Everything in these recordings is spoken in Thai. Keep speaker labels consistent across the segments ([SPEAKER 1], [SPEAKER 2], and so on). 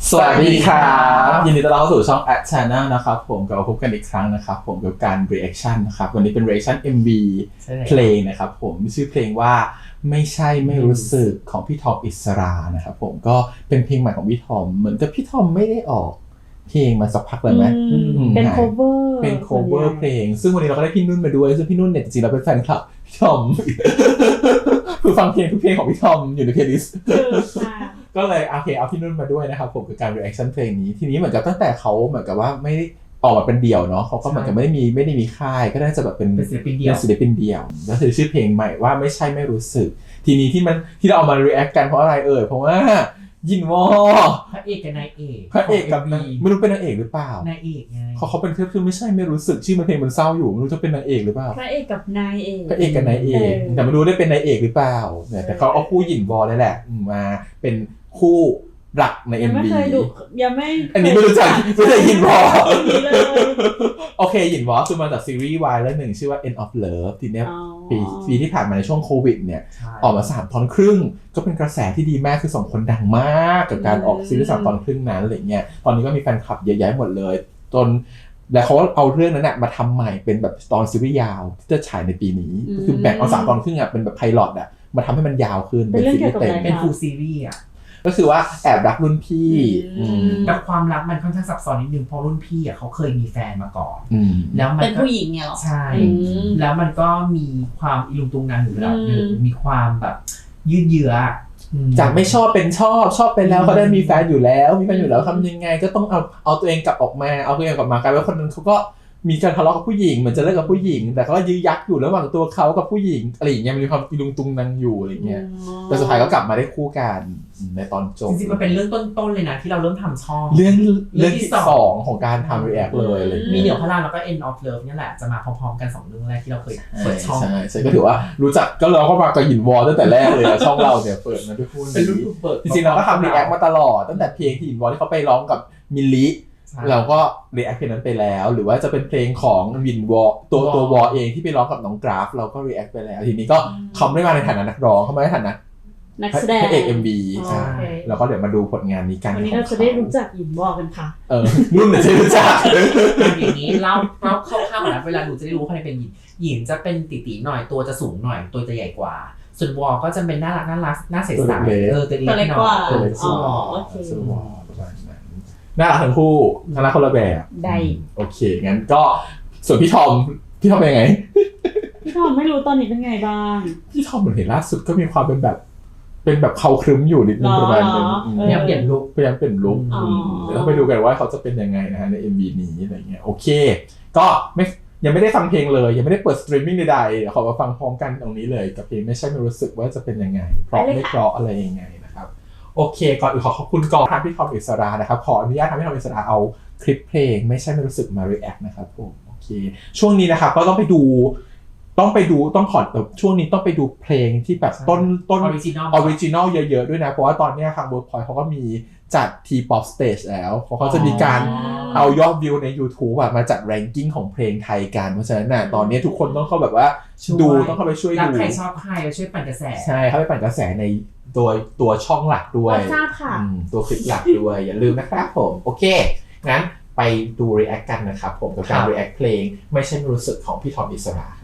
[SPEAKER 1] สวัสดีครับยินดีต้อนรับเข้าสู่ช่อง At Channel นะครับผมกลับมาพบกันอีกครั้งนะครับผมกับการ reaction นะครับวันนี้เป็น reaction MV เพลงนะครับผมชื่อเพลงว่าไม่ใช่ไม่รู้สึกของพี่ทอมอิสรานะครับผมก็เป็นเพลงใหม่ของพี่ทอมเหมือนกับพี่ทอมไม่ได้ออกเพลงมาสักพักเลยไหม
[SPEAKER 2] เป็น cover
[SPEAKER 1] เป็น cover เพลงซึ่งวันนี้เราก็ได้พี่นุ่นมาด้วยซึ่งพี่นุ่นเนี่ยจริงๆเราเป็นแฟนคลับพี่ทอม คือฟังเพลงทุกเพลงของพี่ทอมอยู่ในเพลย์ลิสต์ก็เลยโอเคเอาพี่นุ่นมาด้วยนะครับผมกับการ reaction เพลงนี้ทีนี้เหมือนกับตั้งแต่เขาเหมือนกับว่าไม่ได้ออกมาเป็นเดี่ยวเนาะเขาก็เหมือนกับไม่ได้มีค่ายก็น่าจะแบบเป็นศิลปินเดี่ยวก็คือชื่อเพลงใหม่ว่าไม่ใช่ไม่รู้สึกทีนี้ที่เราเอามา react กันเพราะอะไรเพราะว่ายินวอ
[SPEAKER 3] พระเอกกับนายเอก
[SPEAKER 1] พระเอกกับไม่รู้เป็นนางเอกหรือเปล่าน
[SPEAKER 3] ายเอกไง
[SPEAKER 1] เขาเป็นคือไม่ใช่ไม่รู้สึกชื่อเพลงมันเศร้าอยู่ไม่รู้จะเป็นนางเอกหรือเปล่า
[SPEAKER 2] พระเอกกับนายเอก
[SPEAKER 1] พระเอกกับนายเอกแต่ไม่รู้ได้เป็นนายเอกหรือเปล่าแต่เขาเอาคู่ยินวอนี่แหละมาเป็นคู่หลักใน MV
[SPEAKER 2] ยังไม่เคยดูยังไม่
[SPEAKER 1] อันนี้ไม่รู้จักไม่เคยยินวอโอเคยินวอคือมาจากซีรีส์วายเรื่องหนึ่งชื่อว่า End of Love ทีเนี้ยปีที่ผ่านมาในช่วงโควิดเนี่ยออกมา3 ตอนครึ่งก็เป็นกระแสที่ดีมากคือ2 คนดังมากกับการออกซีรีส์3 ตอนครึ่งนั้นอะไรเงี้ยตอนนี้ก็มีแฟนคลับเยอะแยะหมดเลยจนแล้วเขาเอาเรื่องนั้นมาทำใหม่เป็นแบบตอนซีรีส์ยาวที่จะฉายในปีนี้คือแบ่งเอา3 ตอนครึ่งเป็นแบบไพลอตมาทำให้มันยาวขึ้น
[SPEAKER 2] เป็นซีรีส์เต็ม
[SPEAKER 3] เป็นฟูลซีรีส์
[SPEAKER 1] ก็คือว่าแอบรักรุ่นพี่
[SPEAKER 3] แต่ความรักมันค่อนข้างซับซ้อนนิดนึงเพราะรุ่นพี่เขาเคยมีแฟนมาก่อน
[SPEAKER 2] แล้วมันเป็นผู้หญิงไงหรอ
[SPEAKER 3] ใช่แล้วมันก็มีความอิลุงตุงนางอยู่ระดับนึงมีความแบบยืดเยื้อ
[SPEAKER 1] จากไม่ชอบเป็นชอบไปแล้วเขาได้มีแฟนอยู่แล้วทำยังไงก็ต้องเอาตัวเองกลับออกมาเอาตัวเองกลับมากลายเป็นคนนั้นเขาก็มีการทะเลาะกับผู้หญิงเหมือนจะเลิกกับผู้หญิงแต่เขาก็ยื้อยักอยู่ระหว่างตัวเขากับผู้หญิงอะไรอย่างเงี้ยมีความอิลุงตุงนางอยู่อะไรเงี้ยแต่สุดท้ายก็กลับมาได้คู่กันในตอนจบ
[SPEAKER 3] จริงๆมันเป็นเรื่องต้นๆเลยนะที่เราเริ่มทำช่อง
[SPEAKER 1] เรื่องที่2ของการทำ react เลยอะไร
[SPEAKER 3] มีเหนียวพระรามแล้วก็ End of Love นี่แหละจะมาพร้อมๆกัน2 เรื่องแรกที่เราเคยเปิดช่อง
[SPEAKER 1] ใช่ก็ถือว่ารู้จักก็เราก็มากับหินวอลตั้งแต่แรกเลยช่องเราเนี่ยเปิดมาด้วยคู่นี้จริงๆเราก็ทำ react มาตลอดตั้งแต่เพลงที่หินวอลที่เขาไปร้องกับมิลลิเราก็ react เพลงนั้นไปแล้วหรือว่าจะเป็นเพลงของวินวอตัววอเองที่ไปร้องกับน้องกราฟเราก็ react ไปแล้วทีนี้ก็เขาไม่มาในฐานะนักร้องเขามาในฐานะ
[SPEAKER 2] นักแสดง
[SPEAKER 1] พระเอก MV ใช่แล้วก็เดี๋ยวมาดูผลงานนี้กัน
[SPEAKER 2] วันนี้เราจะได้รู้จักหยินวอกันค่ะ
[SPEAKER 1] นุ่นจะรู้จัก
[SPEAKER 3] อย่างนี้เล่าเข้าๆนะเวลาหนูจะได้รู้ว่าใครเป็นหยินจะเป็นตีๆหน่อยตัวจะสูงหน่อยตัวจะใหญ่กว่าส่วนวอก็จะเป็นน่ารักน่าใสๆ
[SPEAKER 2] ตัวเล็กกว่า
[SPEAKER 1] ตัวเล็กสุดส่วนวอน่ารักทั้งคู่น่ารักคนละแบบ
[SPEAKER 2] ได้
[SPEAKER 1] โอเคงั้นก็ส่วนพี่ทอมเป็นยังไง
[SPEAKER 2] พี่ทอมไม่รู้ตอนนี้เป็นไงบ้าง
[SPEAKER 1] พี่ทอมเหมือนเห็นล่าสุดก็มีความเป็นแบบเขาครึ้มอยู่นิดนึงประมาณนึง
[SPEAKER 3] พยายามเปลี่ยนลุค
[SPEAKER 1] แล้วไปดูกันว่าเขาจะเป็นยังไงนะฮะใน MV นี้อะไรเงี้ยโอเคก็ยังไม่ได้ฟังเพลงเลยยังไม่ได้เปิดสตรีมมิ่งใดๆขอมาฟังพร้อมกันตรงนี้เลยกับเพลงไม่ใช่ไม่รู้สึกว่าจะเป็นยังไงเพราะไม่เพราะอะไรยังไงนะครับโอเคก่อนอื่นขอบคุณกองทัพพี่ทอมอิสรานะครับขออนุญาตทำให้ทอมอิสราเอาคลิปเพลงไม่ใช่ไม่รู้สึกมา react นะครับผมโอเคช่วงนี้นะครับก็ต้องขอช่วงนี้ต้องไปดูเพลงที่แบบต้นออริจินอลเยอะๆด้วยนะเพราะว่าตอนนี้ทาง Workpoint เขาก็มีจัด T-pop stage แล้วเขาจะมีการเอายอดวิวใน YouTube มาจัด ranking ของเพลงไทยกันเพราะฉะนั้นตอนนี้ทุกคนต้องเข้าแบบว่าดูต้องเข้าไปช่วยดู
[SPEAKER 3] ใครชอบใครช่วยปั่นกระแส
[SPEAKER 1] ใช่เข้าไปปั่นกระแสในตัวช่องหลักด้วยตัวคลิปหลักด้วยอย่าลืมนะครับผมโอเคงั้นไปดู react กันนะครับผมกับการ react เพลงไม่ใช่รู้สึกของพี่ทอมอิสรา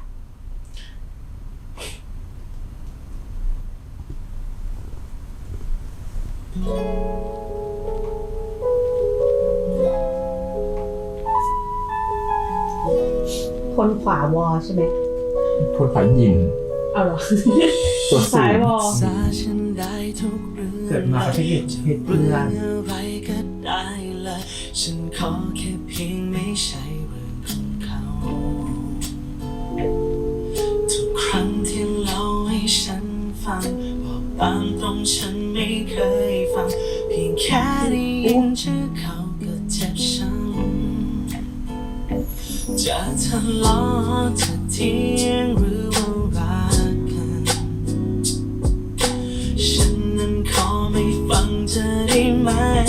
[SPEAKER 2] คนขวาวอใช่ไหม
[SPEAKER 1] คนขวายิน
[SPEAKER 2] เอาเหรอ
[SPEAKER 1] ตัว
[SPEAKER 2] ซ้ายวอ
[SPEAKER 3] เกิดมาประเทศเหตุเพื่อน
[SPEAKER 4] ฉันขอแค่เพียงไม่ใช่เรื่องของเขาทุกครั้งที่เล่าให้ฉันฟังบอกตามตรงฉันไม่เคยฟังเพียงแค่ได้ยินชื่อเขาก็เจ็บช้ำจะทะเลาะจะเถียงหรือว่ารักกันฉันนั้นขอไม่ฟังจะได้ไหม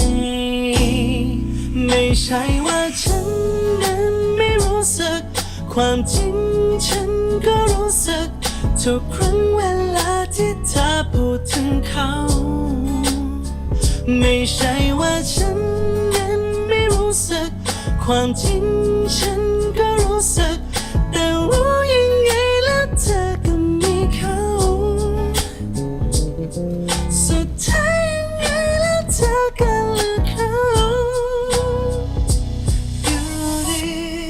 [SPEAKER 4] ไม่ใช่ว่าฉันนั้นไม่รู้สึกความจริงฉันก็รู้สึกทุกครั้งเวลาที่เธอพูดถึงเขาไม่ใช่ว่าฉันนั้นไม่รู้สึกความจริงฉันก็รู้สึกแต่รู้ยังไงแล้วเธอก็มีเขาสุดท้ายยังไงแล้วเธอก็เลือกเขาอยู่ดี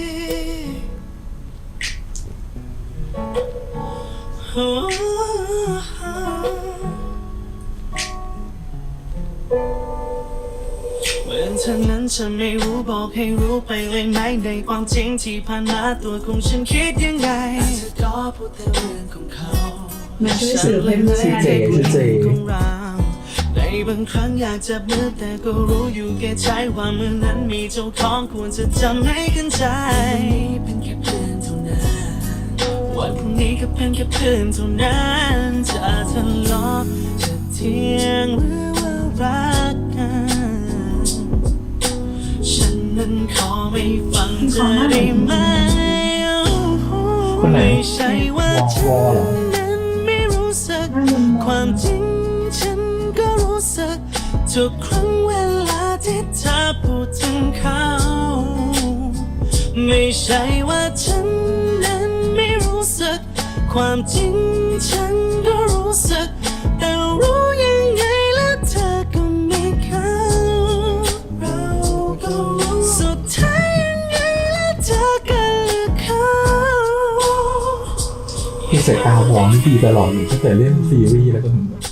[SPEAKER 4] เหมือนเธอนั้นฉันไม่รู้บอกให้รู้ไปเลยไหมในความจริงที่ผ่านมาตัวของฉันคิดยังไงเธอก็พูดแต่เรื่องของเขา
[SPEAKER 2] มันช่วยสื่อเพื่อน
[SPEAKER 1] ชื่อเจชื่อเจ
[SPEAKER 4] ในบางครั้งอยากจับมือแต่ก็รู้อยู่แก่ใจว่ามือนั้นมีเจ้าของควรจะทำให้กันใจวันนี้เป็นแค่เพื่อนเท่านั้นวันพรุ่งนี้ก็เป็นแค่เพื่อนเท่านั้นจะทะเลาะจะเถียงหรือว่ารักกันฉันนั้นขอไม่ฟังเธอได้ไหม
[SPEAKER 1] คนไหน
[SPEAKER 4] ไม่ใช่ว่าฉั
[SPEAKER 1] วอเหรอ
[SPEAKER 4] นนั้นไม่รู้สึกความจริงฉันก็รู้สึกทุกครั้งเวลาที่เธอพูดถึงเขาไม่ใช่ว่าฉันนั้นไม่รู้สึกความจริงฉันก็รู้สึกแต่รู้ยังไงแล้วเธอก็มีเขาเราก็รู้สุดท้ายยังไงแล้วเธอก็เลือกเขา
[SPEAKER 1] ที่สายตาวองที่ดีตลอดอยู่ตั้งแต่เล่นซีรีส์แล้วก็ถึงแบบ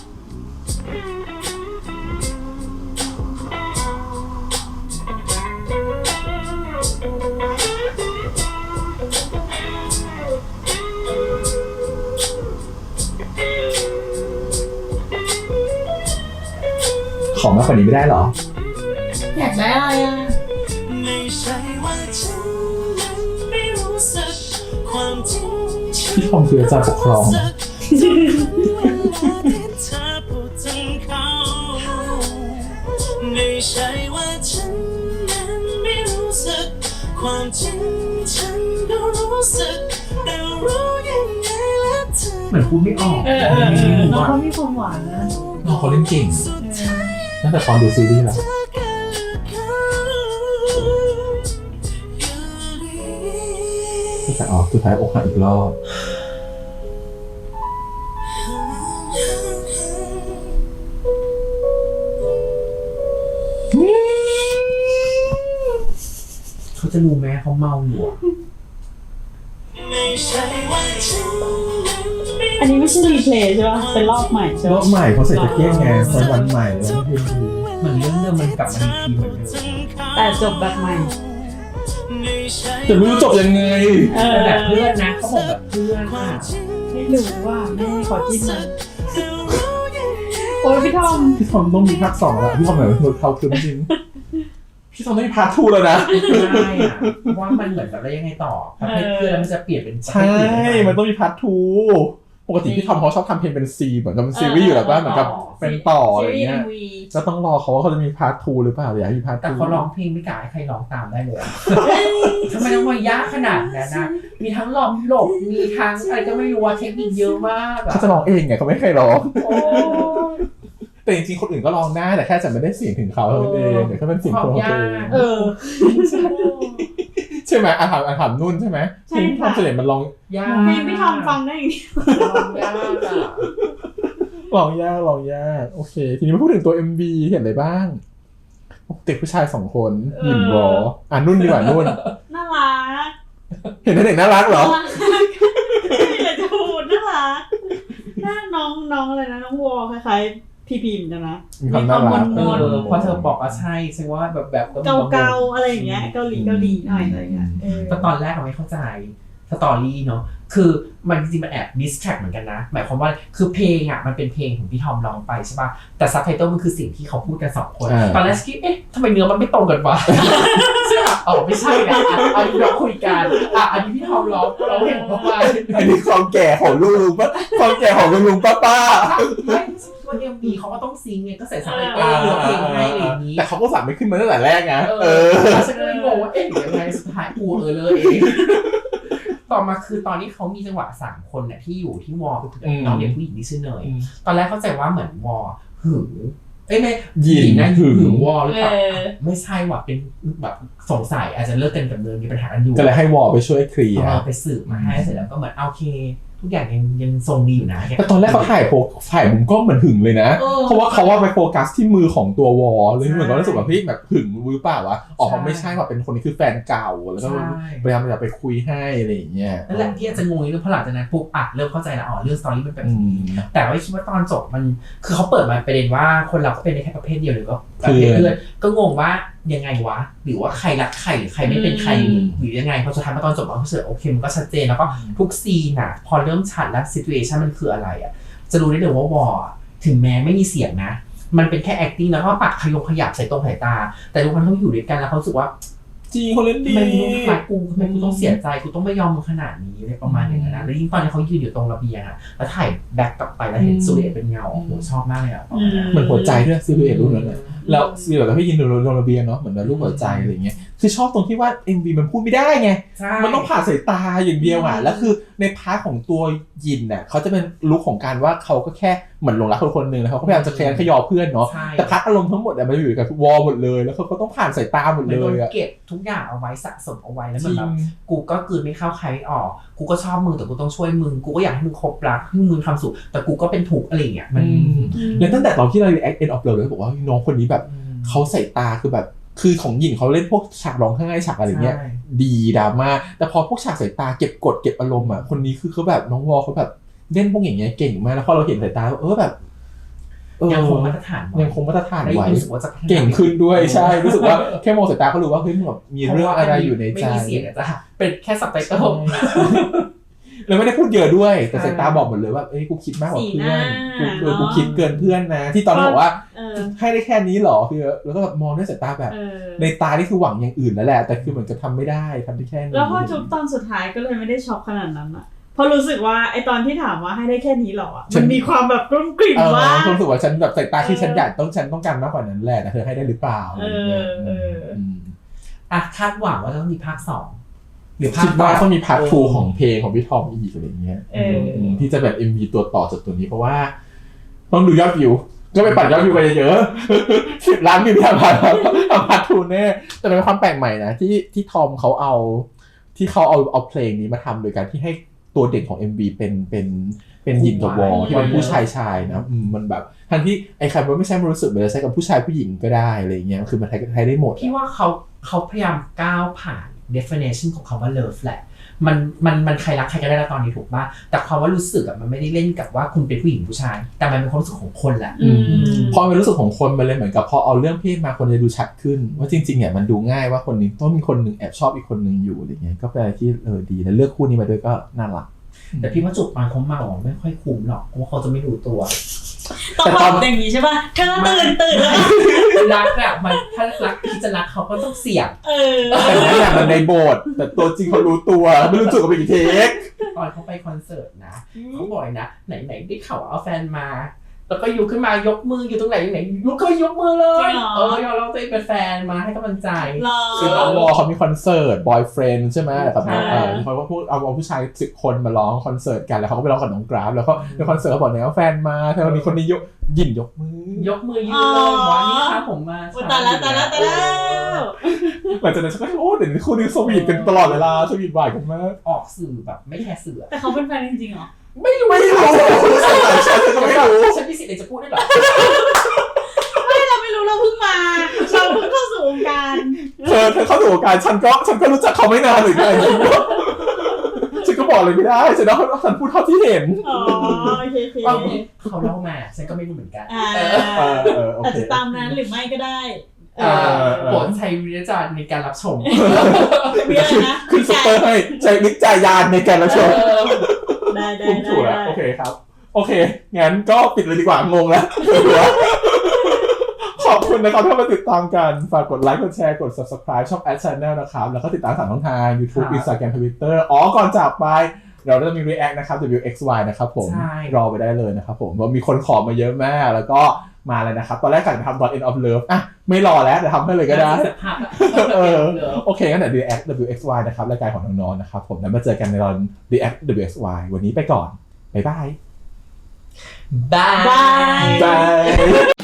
[SPEAKER 1] ขอมากกว่านี้ไม่ได้เหรอ
[SPEAKER 2] อยากได้อะไรอ่ะ
[SPEAKER 4] ไม่ใช่ว่าฉันนั้นไม่รู้สึกความจริง
[SPEAKER 1] พี่ทอมคืออาจารย์ปกครอง
[SPEAKER 4] เวลาที่เธอพูดถึงเขาไม่ใช่ว่าฉันนั้นไม่รู้สึกความจริงฉันก็รู้สึกแต่รู้ยังไงแล้วเธอ
[SPEAKER 3] เหมือนพูดไม่ออก
[SPEAKER 2] น้องเขามีความหวานนะ
[SPEAKER 1] น้องเขาเล่นเก่ง
[SPEAKER 4] สุดท้าย
[SPEAKER 1] ตั้งแต่ตอนดูซีรีส์แล้ว
[SPEAKER 4] เธอก็เลือกเขาอยู่ดี
[SPEAKER 1] แต่สุดท้ายอกหักอีกรอบ
[SPEAKER 3] เขาจะรู้ไหมเขาเมาอยู่อะ
[SPEAKER 4] ไม่ใช่ว่าฉันนั้นไม่
[SPEAKER 2] อันนี้ไม่ใช่รีเพลย์ใช่ป่ะเป็นรอบใหม่ใช่
[SPEAKER 1] รอ
[SPEAKER 2] ป่ะ
[SPEAKER 1] บใหม่เขาใส่แจ็คเก็ตไงวันใหม่แล้วเพลงดี
[SPEAKER 3] เหมือนเรื่องเดิมมันกลับมาอีกทีเหมือนเดิม
[SPEAKER 2] แต่จบแบบใหม่
[SPEAKER 1] แต่ไม่รู้จบยังไง
[SPEAKER 3] แต่แบบเพื่อนนะเขาบอกแบบเพื่อนอะ
[SPEAKER 2] ไม่รู้ว่าแม่ขอจิ้มมันโอ้ยพี่ทอม
[SPEAKER 1] พี่ทอมต้องมีภาค 2แล้วพี่ทอมเหมือนหลุดเขาคือจริงพี่ทอมต้องมีพาร์ท 2แล้วนะ
[SPEAKER 3] ใช่อะเพราะว่ามันเหมือนแบบแล้วยังไงต่อประเภทเพื่อนแล้วมันจะเปลี่ยนเป็นประเภ
[SPEAKER 1] ใช่
[SPEAKER 3] ทอื่นได้ไห
[SPEAKER 1] มันต้องมีพาร์ท 2ปกติพี่ทอมเขาชอบทำเพลงเป็นซีเหมือนกับเป็นซีรีส์อยู่แล้วป่ะเหมือนกับเป็นต่ออะไร
[SPEAKER 2] ซีรีส์
[SPEAKER 1] เงี้ย
[SPEAKER 2] MV
[SPEAKER 1] ก็ต้องรอเขาว่าเขาจะมีพาร์ท 2หรือเปล่าหรืออยากให้มีพาร์ท 2
[SPEAKER 3] แต่เขาร้องเพลงไม่กล้าให้ใครร้องตามได้เลยอะทำไมต้องมายากขนาดนั้นนะมีทั้งหลบหลบมีทั้งอะไรก็ไม่รู้ว่าเทคนิคเยอะมากอะ
[SPEAKER 1] เขาจะร้องเองไงเขาไม่ให้ใครร้อง
[SPEAKER 3] โอ้ย
[SPEAKER 1] แต่จริงๆคนอื่นก็ร้องได้แต่แค่จะไม่ได้เสียงถึงเขาเท่านั้นเองเดี๋ยวเขาเป็นเสียงคนของตัวเอง
[SPEAKER 2] เออ
[SPEAKER 1] ใช่ไหมถามนุ่นใช่ไหม
[SPEAKER 2] ใช่
[SPEAKER 1] เพลงทอม
[SPEAKER 2] ค่ะ
[SPEAKER 1] เสน่ห์มันร้อง
[SPEAKER 3] ยาก
[SPEAKER 2] เพลงพี่ทอมฟังได้อย่างนี้
[SPEAKER 3] ร้องยากอะ
[SPEAKER 1] ร้องยากโอเค ทีนี้มาพูดถึงตัว MV เห็นอะไรบ้างเด็กผู้ชาย2คนหยินวอนุ่นดีกว่านุ่น
[SPEAKER 2] น่ารัก
[SPEAKER 1] เห็นเด็กน่ารักเหรอ
[SPEAKER 2] ไม่อยากจะพูดน่ารักน่าน้องอะไรนะน้องวอคล้ายๆพี่พิมพ์กันนะ
[SPEAKER 1] มีความน่ารัก
[SPEAKER 2] มน
[SPEAKER 3] พอเธอบอกว่าใช่ฉันว่าแบบก็มีบง
[SPEAKER 2] เกาๆอะไรอย่างเงี้ยเกาหลีหน่อยอะไรอย่างเงี้ยเออ
[SPEAKER 3] แต่ตอนแรกเราไม่เข้าใจสตอรี่เนาะคือมันจริงๆมันแอบดิสแทรกเหมือนกันนะหมายความว่าคือเพลงอ่ะมันเป็นเพลงของพี่ทอมร้องไปใช่ป่ะแต่ซับไตเติลมันคือสิ่งที่เขาพูดกัน2 คน ตอนแรกคิดทำไมเนื้อมันไม่ตรงกันวะ ใช่ป่ะไม่ใช่นะอันนี้เราคุยกันอันนี้พี่ทอมร้องเพลงของเขาไป
[SPEAKER 1] อันนี้ความแก่ของลุงป้าความแก่ของลุงป้า
[SPEAKER 3] ไม่ตัวเอ็มบีเขาก็ต้องซิงไงก็ใส่ซับไตเติลเนื้อเพลงให้อะไรอย่างนี้
[SPEAKER 1] แต่เขาก็สั่งไม่ขึ้นมาตั้งแต่แรกนะ
[SPEAKER 3] แล้วฉันก็เลยงงว่าหรือยังไงสุดท้ายกูเลยเองต่อมาคือตอนที่เขามีจังหวะ3 คนเนี่ยที่อยู่ที่วอลเป็นน้องเด็กผู้หญิงที่ชื่อเนยตอนแรกเข้าใจว่าเหมือนวอลหึงเอ้ยไม่
[SPEAKER 1] หยิน
[SPEAKER 3] นะ
[SPEAKER 1] หึง
[SPEAKER 3] หึงวอลหรือเปล่า
[SPEAKER 2] เออ
[SPEAKER 3] ไม่ใช่ว่ะเป็นแบบสงสัยอาจจะเลิกกันกับเดิมมีปัญหากันอยู่
[SPEAKER 1] ก็เลยให้วอลไปช่วยเคลียร์
[SPEAKER 3] ไปสืบมาให้เสร็จแล้วก็เหมือนโอเค ทุกอย่างยังทรงดีอยู่นะ
[SPEAKER 1] แต่ตอนแรกเขาถ่ายมุมกล้องเหมือนหึงเลยนะ
[SPEAKER 2] เออ
[SPEAKER 1] เพราะว่าเขาว่าไปโฟกัสที่มือของตัววอลเลยเหมือนก็รู้สึกว่าพี่แบบหึงหรือเปล่าวะอ๋อเขาไม่ใช่ว่าเป็นคนนี้คือแฟนเก่าแล้วก็
[SPEAKER 3] ใช่
[SPEAKER 1] พยายามจะไปคุยให้อะไรอย่างเงี้ย
[SPEAKER 3] นั่นแหละที่อาจจะงงนิดนึงเพราะหลังจากนั้นปุ๊บเริ่มเข้าใจแล้วเรื่องสตอรี่มันแบบ
[SPEAKER 1] อืม
[SPEAKER 3] นี้แต่ว่าคิดว่าตอนจบมันคือเขาเปิดมาประเด็นว่าคนเราก็เป็นได้แค่ประเภทเดียวหรือก็ประเภทเพื่อนก็งงว่ายังไงวะหรือว่าใครรักใครหรือใครไม่เป็นใครหรือยังไงพอสุดท้ายมาตอนจบมันก็รู้สึกโอเคมันก็ชัดเจนแล้วก็ทุกซีนอ่ะพอเริ่มชัดแล้วซิทูเอชันมันคืออะไรอ่ะจะรู้ได้เลยว่าวอร์ถึงแม้ไม่มีเสียงนะมันเป็นแค่ acting แล้วก็ปากขยับใส่ตรงสายตาแต่ทุกคนเขาอยู่ด้วยกันแล้วเขารู้สึกว่า
[SPEAKER 1] จริงเขาเล่นดี
[SPEAKER 3] ทำไมมึงต้องรักกูทำไมกูต้องเสียใจกูต้องไม่ยอมมึงขนาดนี้อะไรประมาณอย่างนั้นนะแล้วยิ่งตอนที่เขายืนอยู่ตรงระเบียงอ่ะแล้วถ่ายแบ็คกลับไปแล้วเห็นซูเรตเป็นเงาโอ้โหชอบมากเลยอ่ะ
[SPEAKER 1] เหมือนหัวใจด้วยซิลูเอตรูปนั้นน่ะแล้วซีแบบพี่ยินโดนระเบียงเนาะเหมือนรูปหัวใจอะไรเงี้ยคือชอบตรงที่ว่า MV มันพูดไม่ได้ไง
[SPEAKER 3] ใช่
[SPEAKER 1] มันต้องผ่านสายตาอย่างเดียวอ่ะแล้วคือในพาร์ทของตัวยินน่ะเขาจะเป็นลุคของการว่าเขาก็แค่เหมือนหลงรักคนหนึ่งแล้วเขาก็พยายามจะแคร์ขยอเพื่อนเนาะ
[SPEAKER 3] ใช่
[SPEAKER 1] แต่พาร์ทอารมณ์ทั้งหมดอ่ะมันอยู่กับวอลหมดเลยแล้วเขาก็ต้องผ่านสายตาหมด
[SPEAKER 3] มัน
[SPEAKER 1] เล
[SPEAKER 3] โดน
[SPEAKER 1] ยอ่ะ
[SPEAKER 3] เก็บทุกอย่างเอาไว้สะสมเอาไว้แล้ว
[SPEAKER 1] จ
[SPEAKER 3] มัน
[SPEAKER 1] ริ
[SPEAKER 3] แบ
[SPEAKER 1] ง
[SPEAKER 3] บกูก็กลืนไม่เข้าใครไม่ออกกูก็ชอบมึงแต่กูต้องช่วยมึงกูก็อยากให้มึงคบรักให้มึงมีความสุขแต่กูก็เป็นทุกข์อะไรอย่างเงี้ยมัน
[SPEAKER 1] แล้วตั้งแต่ตอนที่เรา react end of love เลยบอกว่าน้องคนนี้แบบเขาใส่ตาคือแบบคือของหญิงเขาเล่นพวกฉากร้องไห้ฉากอะไรเงี้ย
[SPEAKER 3] ใช่
[SPEAKER 1] ดีดราม่าแต่พอพวกฉากสายตาเก็บกดเก็บอารมณ์อ่ะคนนี้คือเขาแบบน้องวอลเขาแบบเล่นพวกอย่างเงี้ยเก่งมากแล้วพอเราเห็นสายตาแบบ
[SPEAKER 3] ยังคงมาตรฐานไว้
[SPEAKER 1] ยังคงมาตรฐาน
[SPEAKER 3] และ
[SPEAKER 1] ไว้
[SPEAKER 3] รู้สึกว่าจะพัฒนา
[SPEAKER 1] เก่งขึ้นด้วยใช่รู้สึกว่าแค่มองสายตาเขารู้ว่าเฮ้ยมันแบบมีเรื่องอะไรอยู่ในใจ
[SPEAKER 3] ไม่มีเสียงอะจ้ะเป็นแค่สับไตเติล
[SPEAKER 1] แล้วไม่ได้พูดเยอะด้วยแต่สายตาบอกหมดเลยว่าเอ้ยกูคิดมากกว่าเพื่อน
[SPEAKER 2] สีหน้า
[SPEAKER 1] กูคิดเกินเพื่อนนะ ที่ตอนนั้นบอกว่า
[SPEAKER 2] เออ
[SPEAKER 1] ให้ได้แค่นี้หรอคือแล้วก็แบบมองด้วยสายตาแบบ
[SPEAKER 2] เออ
[SPEAKER 1] ในตานี่คือหวังอย่างอื่นแล้วแหละแต่คือเหมือนกับทำไม่ได้ทำได้แค่นี้
[SPEAKER 2] แล้วพอจุบตอนสุดท้ายก็เลยไม่ได้ช็อกขนาดนั้นอะเพราะรู้สึกว่าไอตอนที่ถามว่าให้ได้แค่นี้หรออะมันมีความแบบกลุ้มกลิ่มว่า
[SPEAKER 1] ความรู้สึกว่าฉันแบบสายตาที่ฉันอยากฉันต้องการมากกว่านั้นแหละแต่เธอให้ได้หรือเปล่าอะไรอย่างเงี้ย ม
[SPEAKER 3] อ่ะคาดหวังว่าจะต้องมีภาค 2หรือภา
[SPEAKER 1] คิ
[SPEAKER 3] ค
[SPEAKER 1] ดว่าต้องมีพาร์ท2ของเพลงของพี่ทอมอีกอะไรอย่างเงี้ย
[SPEAKER 2] เออ
[SPEAKER 1] ที่จะแบบ MV ตัวต่อจากตัวนี้เพราะว่าต้องดูยอดวิวก็ไปปั่นยอดวิวกันเยอะๆ10 ล้านวิวทำพาร์ท2แน่แต่เป็นความแปลกใหม่นะที่ทอมเขาเอาเพลงนี้มาทำโดยการที่ให้ตัวเด่นของ MV เป็นหญิงกับวอลที่เป็นผู้ชายนะมันแบบทั้งที่ไอ้คำว่าไม่ใช่มันรู้สึกเหมือนจะใช้กับผู้ชายผู้หญิงก็ได้อะไรอย่างเงี้ยคือมันใช้ได้หมด
[SPEAKER 3] พี่ว่าเขาพยายามก้าวผ่าน definition ของคำว่า love แหละมันใครรักใครก็ได้แล้วตอนนี้ถูกป่ะแต่ความว่ารู้สึกอะมันไม่ได้เล่นกับว่าคุณเป็นผู้หญิงผู้ชาย แต่มันเป็นความรู้สึกของคนแหละ
[SPEAKER 1] พอมันรู้สึกของคนมันเลยเหมือนกับพอเอาเรื่องเพศมาคนจะดูชัดขึ้นว่าจริงๆเนี่ยมันดูง่ายว่าคนนี้ต้องมีคนหนึ่งแอบชอบอีกคนหนึ่งอยู่อะไรเงี้ยก็เป็นอะไรที่ดีแล้วเลือกคู่นี้มาด้วยก็น่ารัก
[SPEAKER 3] แต่พี่ว่าจุดตอนเขาเมาอะไม่ค่อยคุ้มหรอกเพราะว่าเขาจะไม่รู้ตัว
[SPEAKER 2] ต้องบอกอย่างนี้ใช่ป่ะเธอตื่นแล้ว
[SPEAKER 3] รักอะมันถ้ารักที่จะรักเขาก็ต้องเสี่ยง
[SPEAKER 2] เออ
[SPEAKER 1] แต่นั่นแหละมันในโบสถ์แต่ตัวจริงเขารู้ตัวไม่รู้จุดกับอีกเทค
[SPEAKER 3] ตอนเขาไปคอนเสิร์ตนะเขาบอกเลยนะไหนได้ข่าวว่าเอาแฟนมา แล้วก็อยู่ขึ้นมายกมืออยู่ตรงไหนลุกขึ้นยกมือเลยยอมรับตัวเองเป็นแฟนมาให้กำลังใจ
[SPEAKER 1] คือน้องวอเขามีคอนเสิร์ต boyfriend ใช่ไหมกับน้องเขาก็พูดเอาผู้ชาย10 คนมาร้องคอนเสิร์ตกันแล้วเขาก็ไปร้องกับน้องกราฟแล้วก็ในคอนเสิร์ตเขาบอกเนี่ยว่าแฟนมาแต่วันนี้คนนี้ยินยกมือ
[SPEAKER 3] ยกมือยืนเลยวันนี้ค่ะผมมา
[SPEAKER 2] ตายแล้ว
[SPEAKER 1] หลังจากนั้นฉันก็โอ้เดี๋ยวนี้คู่นี้สวีทกันตลอดเวลาสวีทบ่ายกันมาก
[SPEAKER 3] ออกสื่อแบบไม่แคร์สื่อ
[SPEAKER 2] แต่เขาเป็นแฟนจริงๆเหรอ
[SPEAKER 1] ไม่รู้ฉันก็ไม่รู้
[SPEAKER 3] ฉันมีสิทธิ์อะไรจะพูดได้หรอ
[SPEAKER 2] เราไม่รู้เราเพิ่งมาเราเพิ่งเข้าสู่วงการ
[SPEAKER 1] เธอเข้าสู่วงการฉันก็รู้จักเขาไม่นานหรือไงฉันก็บอกเลยไม่ได้ฉันพูดเท่าที่เห็น
[SPEAKER 2] อ๋อโอเค
[SPEAKER 3] เขาเล่ามาฉันก็ไม่รู้เหมือนกัน
[SPEAKER 1] โอ
[SPEAKER 2] อาจ
[SPEAKER 1] เค
[SPEAKER 2] จะตามนั้นหรือไม่ก็ได้
[SPEAKER 3] โปรดใช้วิจารณ์ในการรับชม
[SPEAKER 2] เรื่องนะ
[SPEAKER 1] ขึ้นซุปเปอร์ให้ใจวิจารณ์ในการรับชม
[SPEAKER 2] ได้
[SPEAKER 1] ถูกแล้วโอเคครับโอเคงั้นก็ปิดเลยดีกว่างงแล้วขอบคุณนะครับที่มาติดตามกันฝากกดไลค์กดแชร์กด subscribe ช่อง @channel นะครับแล้วก็ติดตาม3 ช่องทาง YouTube Instagram Twitter ก่อนจากไปเราจะมี react นะครับ WXY นะครับผมรอไปได้เลยนะครับผมว่ามีคนขอมาเยอะมากแล้วก็มาเลยนะครับตอนแรกกะจะทำ End of Love อ่ะไม่รอแล้วเดี๋ยวทำให้เลยก็ได้โอเคงั้นเดี๋ยว react WXY นะครับรายการของน้องๆนะครับผมแล้วมาเจอกันในตอน react WXY วันนี้ไปก่อนบ๊ายบาย
[SPEAKER 3] บาย
[SPEAKER 1] บาย